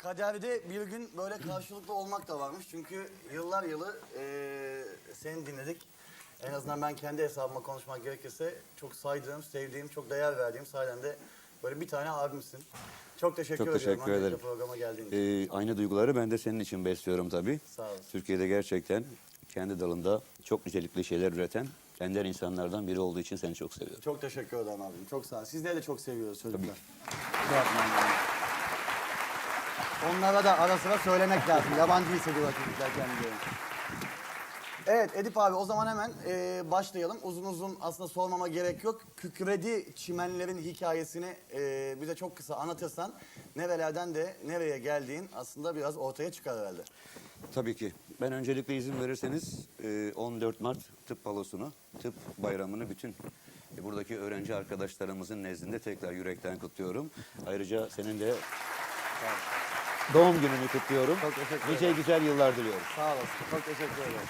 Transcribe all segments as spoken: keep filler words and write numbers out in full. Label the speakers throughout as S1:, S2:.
S1: kaderde bir gün böyle karşılıklı olmak da varmış. Çünkü yıllar yılı eee seni dinledik. En azından ben kendi hesabıma konuşmak gerekirse çok saydığım, sevdiğim, çok değer verdiğim sahiden de böyle bir tane abimsin. Çok teşekkür
S2: Çok
S1: ediyorum.
S2: teşekkür
S1: öncelikle
S2: ederim.
S1: programa geldiğin için.
S2: Ee, aynı duyguları ben de senin için besliyorum tabii.
S1: Sağ olasın.
S2: Türkiye'de gerçekten kendi dalında çok nitelikli şeyler üreten ender insanlardan biri olduğu için seni çok seviyorum.
S1: Çok teşekkür ederim abim. Çok sağ ol. Sizleri de çok seviyoruz çocuklar. Şey yapmayın yani. Onlara da ara sıra söylemek lazım. Yabancı hissediyorlar çocuklar kendilerini. Evet Edip abi o zaman hemen e, başlayalım. Uzun uzun aslında sormama gerek yok. Kükredi çimenlerin hikayesini e, bize çok kısa anlatırsan nerelerden de nereye geldiğin aslında biraz ortaya çıkar herhalde.
S2: Tabii ki. Ben öncelikle izin verirseniz e, on dört Mart Tıp Balosu'nu, Tıp Bayramı'nı bütün e, buradaki öğrenci arkadaşlarımızın nezdinde tekrar yürekten kutluyorum. Ayrıca senin de doğum gününü kutluyorum.
S1: Çok teşekkür ederim.
S2: Nice güzel yıllar diliyorum.
S1: Sağ olasın. Çok teşekkür ederim.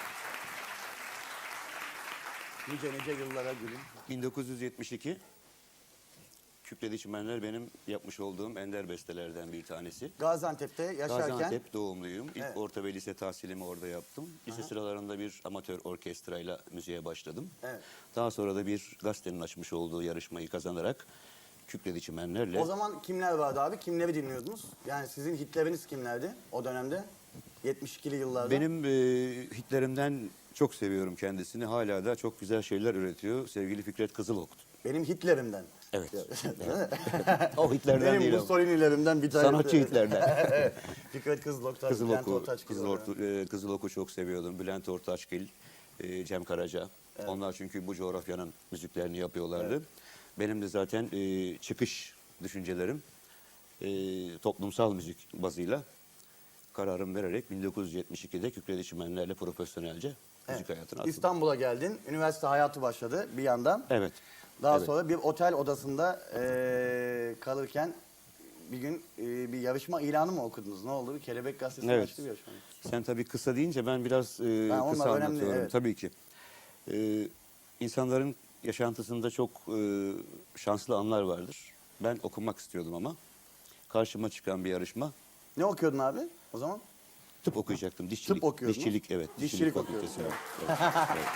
S1: Nice nice yıllara gülüm.
S2: bin dokuz yüz yetmiş iki Kükredi Çimenler benim yapmış olduğum ender bestelerden bir tanesi.
S1: Gaziantep'te yaşarken
S2: Gaziantep doğumluyum. İlk
S1: Evet.
S2: orta ve lise tahsilimi orada yaptım. Lise sıralarında bir amatör orkestrayla müziğe başladım.
S1: Evet.
S2: Daha sonra da bir gazetenin açmış olduğu yarışmayı kazanarak Kükredi Çimenler'le
S1: o zaman kimler vardı abi? Kimleri dinliyordunuz? Yani sizin hitleriniz kimlerdi o dönemde? yetmiş ikili yıllarda.
S2: benim e, hitlerimden çok seviyorum kendisini. Hala da çok güzel şeyler üretiyor. Sevgili Fikret Kızılok'tu.
S1: Benim Hitlerimden.
S2: Evet.
S1: Evet.
S2: O hitlerden
S1: Benim
S2: değil ama.
S1: Mussolini'lerimden bir tanesi.
S2: Sanatçı hitlerden.
S1: Evet. Fikret Kızılok, tabii, Bülent
S2: Kızılok'u,
S1: Ortaçgil
S2: Kızılok'u,
S1: olarak.
S2: e, Kızılok'u çok seviyordum. Bülent Ortaçgil, e, Cem Karaca. Onlar çünkü bu coğrafyanın müziklerini yapıyorlardı.
S1: Evet.
S2: Benim de zaten e, çıkış düşüncelerim e, toplumsal müzik bazıyla kararım vererek bin dokuz yüz yetmiş ikide Kükredi Çimenler'le profesyonelce müzik hayatına atıldım.
S1: İstanbul'a geldin. Üniversite hayatı başladı bir yandan.
S2: Evet.
S1: Daha
S2: evet.
S1: sonra bir otel odasında eee, kalırken bir gün eee, bir yarışma ilanı mı okudunuz? Ne oldu? Bir Kelebek Gazetesi'ne
S2: Evet.
S1: açtı bir yarışma.
S2: Sen tabii kısa deyince ben biraz e,
S1: Ben onlar
S2: kısa
S1: önemli,
S2: anlatıyorum.
S1: evet.
S2: Tabii ki. E, insanların yaşantısında çok e, şanslı anlar vardır. Ben okumak istiyordum ama karşıma çıkan bir yarışma.
S1: Ne okuyordun abi o zaman?
S2: Tıp okuyacaktım. Dişçilik.
S1: okuyordun.
S2: Dişçilik evet.
S1: Dişçilik
S2: fakültesi,
S1: okuyordun,
S2: evet. Evet, evet.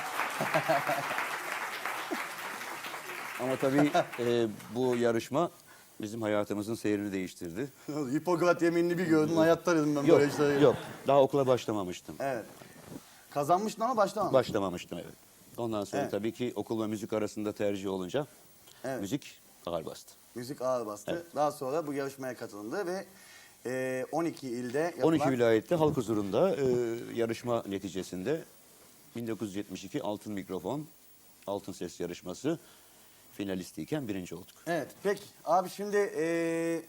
S2: Ama tabii e, bu yarışma bizim hayatımızın seyrini değiştirdi.
S1: Hipokrat yeminini bir gördün hayatta dedim ben
S2: Yok,
S1: böyle işlere.
S2: yok. Daha okula başlamamıştım.
S1: Evet. Kazanmıştın ama başlamamıştın.
S2: Başlamamıştım evet. Ondan sonra
S1: Evet.
S2: tabii ki okul ve müzik arasında tercih olunca
S1: Evet.
S2: müzik ağır bastı.
S1: Müzik ağır bastı.
S2: Evet.
S1: Daha sonra bu yarışmaya katılındı ve eee, on iki ilde yapılan...
S2: on iki vilayette halk huzurunda e, yarışma neticesinde bin dokuz yüz yetmiş iki Altın Mikrofon, Altın Ses yarışması finalistiyken birinci olduk.
S1: Evet, peki. Abi şimdi eee,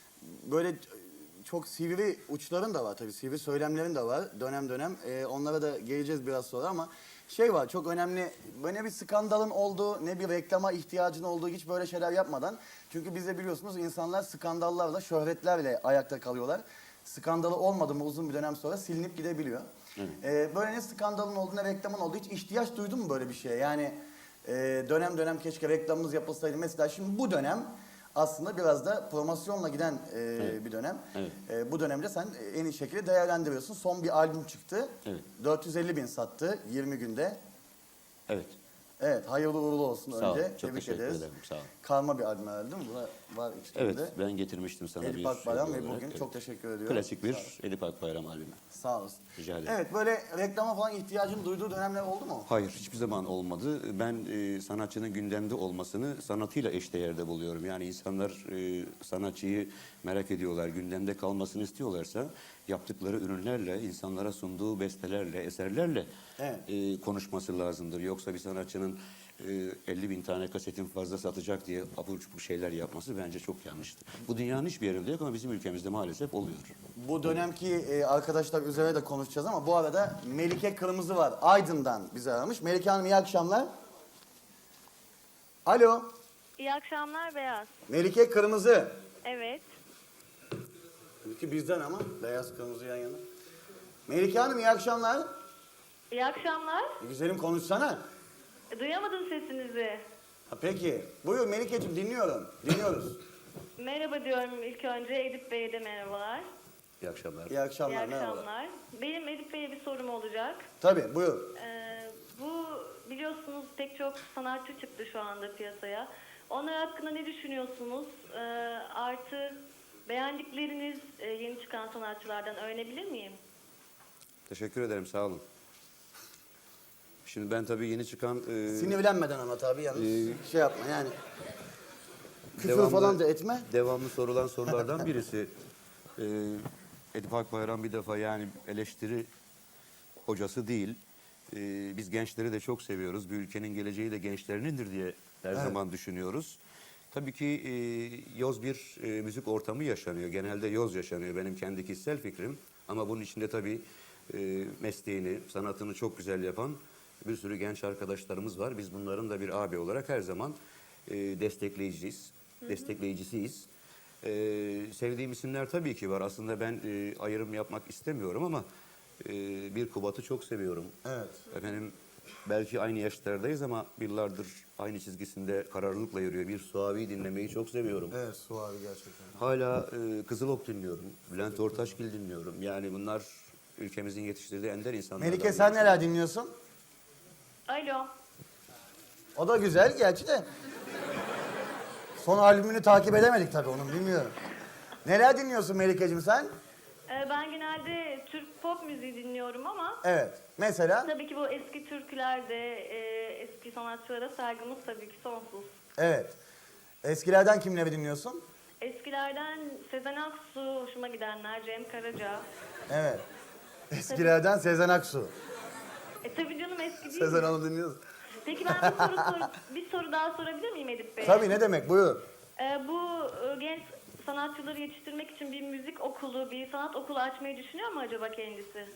S1: böyle çok sivri uçların da var tabii, sivri söylemlerin de var dönem dönem. Eee, onlara da geleceğiz biraz sonra ama şey var, çok önemli. Böyle ne bir skandalın olduğu, ne bir reklama ihtiyacın olduğu, hiç böyle şeyler yapmadan. Çünkü biz de biliyorsunuz insanlar skandallarla, şöhretlerle ayakta kalıyorlar. Skandalı olmadı mı uzun bir dönem sonra silinip gidebiliyor. Eee, böyle ne skandalın olduğu, ne reklamın olduğu, hiç ihtiyaç duydun mu böyle bir şeye? Yani Ee, dönem dönem keşke reklamımız yapılsaydı. Mesela şimdi bu dönem aslında biraz da promosyonla giden e,
S2: Evet.
S1: bir dönem.
S2: Evet.
S1: E, bu dönemde sen en iyi şekilde değerlendiriyorsun. Son bir albüm çıktı.
S2: Evet.
S1: dört yüz elli bin sattı yirmi günde.
S2: Evet.
S1: Evet, hayırlı uğurlu olsun
S2: Sağ ol.
S1: önce.
S2: Çok
S1: Tebrik
S2: teşekkür
S1: ederiz.
S2: ederim. Sağ ol.
S1: Karma bir albüm herhalde değil mi? Buna var
S2: Evet,
S1: içinde.
S2: ben getirmiştim sana
S1: Edip
S2: bir
S1: Akbayram
S2: şey
S1: ve
S2: olarak.
S1: bugün
S2: Evet.
S1: çok teşekkür ediyorum.
S2: Klasik
S1: Sağ
S2: bir
S1: olasın.
S2: Edip Akbayram albümü.
S1: Sağ olasın.
S2: Rica ederim.
S1: Evet, böyle reklama falan ihtiyacın duyduğu dönemler oldu mu?
S2: Hayır, hiçbir zaman olmadı. Ben e, sanatçının gündemde olmasını sanatıyla eşdeğerde buluyorum. Yani insanlar e, sanatçıyı merak ediyorlar, gündemde kalmasını istiyorlarsa yaptıkları ürünlerle, insanlara sunduğu bestelerle, eserlerle
S1: Evet.
S2: e, konuşması lazımdır. Yoksa bir sanatçının e, elli bin tane kasetin fazla satacak diye abur cubur şeyler yapması bence çok yanlıştır. Bu dünyanın hiçbir yerinde yok ama bizim ülkemizde maalesef oluyor.
S1: Bu dönemki e, arkadaşlar üzerine de konuşacağız ama bu arada Melike Kırmızı var. Aydın'dan bizi aramış. Melike Hanım iyi akşamlar. Alo.
S3: İyi akşamlar Beyaz.
S1: Melike Kırmızı.
S3: Evet.
S1: Melike bizden ama beyaz kırmızı yan yana. Melike Hanım iyi akşamlar.
S3: İyi akşamlar.
S1: E, güzelim konuşsana.
S3: E, Duyamadım sesinizi.
S1: Ha, peki. Buyur Melike'ciğim dinliyorum. Dinliyoruz.
S3: Merhaba diyorum ilk önce. Edip Bey'e de merhabalar.
S2: İyi akşamlar.
S1: İyi akşamlar,
S3: İyi
S1: merhabalar.
S3: akşamlar. Benim Edip Bey'e bir sorum olacak.
S1: Tabii, buyur.
S3: Ee, bu biliyorsunuz pek çok sanatçı çıktı şu anda piyasaya. Onlar hakkında ne düşünüyorsunuz? Ee, artı beğendikleriniz e, yeni çıkan sanatçılardan öğrenebilir miyim?
S2: Teşekkür ederim, sağ olun. Şimdi ben tabii yeni çıkan... E,
S1: Sinirlenmeden ama tabii yalnız
S2: Ee,
S1: şey yapma yani. Küfür
S2: devamlı-
S1: falan da etme.
S2: Devamlı sorulan sorulardan birisi. E, Edip Akbayram bir defa yani eleştiri hocası değil. E, biz gençleri de çok seviyoruz. Bir ülkenin geleceği de gençlerindir diye her
S1: Evet.
S2: zaman düşünüyoruz. Tabii ki e, yoz bir e, müzik ortamı yaşanıyor. Genelde yoz yaşanıyor benim kendi kişisel fikrim. Ama bunun içinde tabii e, mesleğini, sanatını çok güzel yapan bir sürü genç arkadaşlarımız var. Biz bunların da bir abi olarak her zaman e, destekleyiciyiz, destekleyicisiyiz. E, sevdiğim isimler tabii ki var. Aslında ben e, ayrım yapmak istemiyorum ama e, bir Kubat'ı çok seviyorum.
S1: Evet.
S2: Efendim belki aynı yaşlardayız ama yıllardır aynı çizgisinde kararlılıkla yürüyor. Bir Suavi'yi dinlemeyi çok seviyorum.
S1: Evet, Su abi gerçekten.
S2: Hala e, Kızılok dinliyorum. Bülent Ortaçgil dinliyorum. Yani bunlar ülkemizin yetiştirdiği ender insanlar.
S1: Melike sen neler dinliyorsun?
S3: Alo.
S1: O da güzel gerçi de. Son albümünü takip edemedik tabii onun, bilmiyorum. Neler dinliyorsun Melike'cim sen?
S3: Ee, ben genelde Türk pop müziği dinliyorum ama
S1: Evet. Mesela?
S3: tabii ki bu eski türkülerde e, eski sanatçılara saygımız tabii ki sonsuz.
S1: Evet. Eskilerden kimleri dinliyorsun?
S3: Eskilerden Sezen Aksu hoşuma gidenler, Cem Karaca.
S1: Evet. Eskilerden Sezen Aksu.
S3: E tabii canım eski değil
S1: Sezen
S3: mi?
S1: Hanım dinliyoruz.
S3: Peki ben bir soru, sor, bir soru daha sorabilir miyim Edip Bey?
S1: Tabii, ne demek, buyur.
S3: Ee, bu e, genç sanatçıları yetiştirmek için bir müzik okulu, bir sanat okulu açmayı düşünüyor mu acaba kendisi?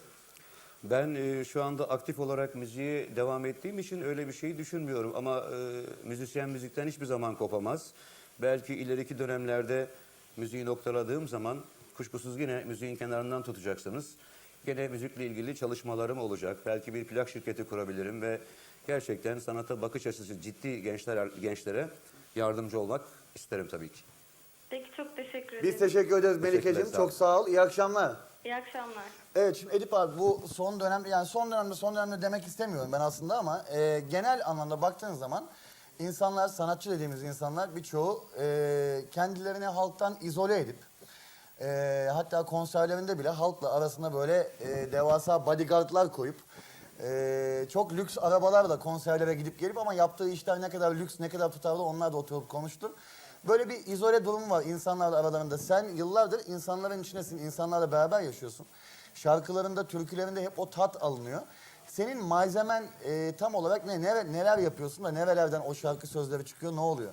S2: Ben e, şu anda aktif olarak müziğe devam ettiğim için öyle bir şey düşünmüyorum. Ama e, müzisyen müzikten hiçbir zaman kopamaz. Belki ileriki dönemlerde müziği noktaladığım zaman kuşkusuz yine müziğin kenarından tutacaksınız. Gene müzikle ilgili çalışmalarım olacak. Belki bir plak şirketi kurabilirim ve gerçekten sanata bakış açısı ciddi gençler gençlere yardımcı olmak isterim tabii ki.
S3: Peki çok teşekkür ederim.
S1: Biz teşekkür ederiz Melike'cim.
S2: Teşekkürler, sağ ol.
S1: Çok sağ ol. İyi akşamlar.
S3: İyi akşamlar.
S1: Evet, şimdi Edip abi bu son dönem, yani son dönemde son dönemde demek istemiyorum ben aslında ama e, genel anlamda baktığın zaman insanlar, sanatçı dediğimiz insanlar birçoğu e, kendilerini halktan izole edip e, hatta konserlerinde bile halkla arasında böyle e, devasa bodyguardlar koyup e, çok lüks arabalarla konserlere gidip gelip ama yaptığı işler ne kadar lüks, ne kadar tutarlı onlar da oturup konuştu. Böyle bir izole durum var insanlarla aralarında. Sen yıllardır insanların içindesin, insanlarla beraber yaşıyorsun. Şarkılarında, türkülerinde hep o tat alınıyor. Senin malzemen e, tam olarak ne? Nere, neler yapıyorsun da nerelerden o şarkı sözleri çıkıyor, ne oluyor?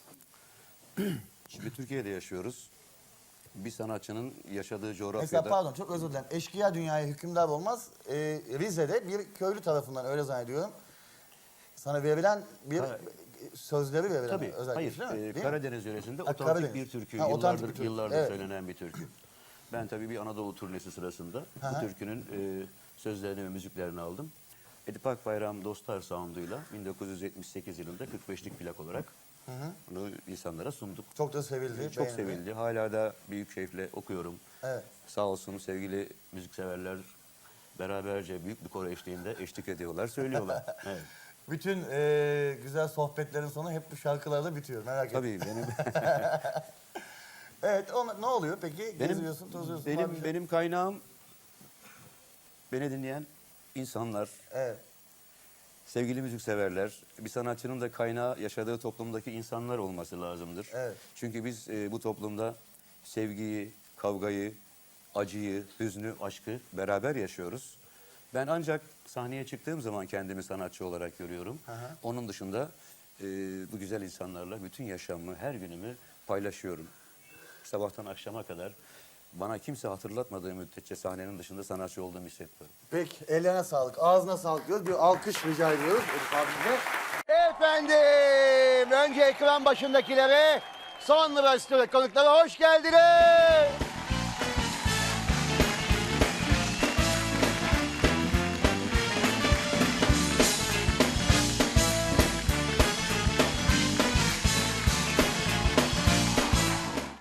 S2: Şimdi Türkiye'de yaşıyoruz. Bir sanatçının yaşadığı
S1: Mesela
S2: coğrafyada...
S1: pardon, çok özür dilerim. Eşkıya dünyaya hükümdar olmaz. E, Rize'de bir köylü tarafından, öyle zannediyorum, sana verilen bir
S2: Ha.
S1: sözleri verilen
S2: Tabii,
S1: özellikle,
S2: hayır.
S1: değil mi?
S2: Ee,
S1: Değil mi?
S2: Karadeniz yöresinde
S1: Ha,
S2: otantik
S1: Karadeniz.
S2: bir türkü.
S1: Ha, otantik
S2: yıllardır
S1: bir türkü.
S2: yıllardır
S1: Evet.
S2: söylenen bir türkü. Ben tabii bir Anadolu turnesi sırasında
S1: Hı hı.
S2: bu türkünün e, sözlerini ve müziklerini aldım. Edip Akbayram Dostlar sound'uyla bin dokuz yüz yetmiş sekiz yılında kırk beşlik plak olarak bunu insanlara sunduk.
S1: Çok da sevildi.
S2: Çok
S1: beğenildi.
S2: sevildi. Hala da büyük keyifle okuyorum.
S1: Evet.
S2: Sağ olsun sevgili müzikseverler beraberce büyük bir koro eşliğinde eşlik ediyorlar, söylüyorlar. Evet.
S1: Bütün e, güzel sohbetlerin sonu hep bu şarkılarla bitiyor, merak etme.
S2: Tabii benim
S1: Evet, o, ne oluyor peki?
S2: benim
S1: Geziyorsun, tozuyorsun. var
S2: benim
S1: bir şey.
S2: benim kaynağım beni dinleyen insanlar,
S1: Evet,
S2: sevgili müzikseverler. Bir sanatçının da kaynağı yaşadığı toplumdaki insanlar olması lazımdır.
S1: Evet.
S2: Çünkü biz e, bu toplumda sevgiyi, kavgayı, acıyı, hüznü, aşkı beraber yaşıyoruz. Ben ancak sahneye çıktığım zaman kendimi sanatçı olarak görüyorum.
S1: Hı hı.
S2: Onun dışında e, bu güzel insanlarla bütün yaşamımı, her günümü paylaşıyorum. Sabahtan akşama kadar bana kimse hatırlatmadığı müddetçe sahnenin dışında sanatçı olduğumu hissetmiyorum.
S1: peki ellerine sağlık, ağzına sağlık diyoruz. Bir alkış rica ediyoruz Elif abimize. Efendim, önce ekran başındakilere, sonra stüdyo konuklara hoş geldiniz.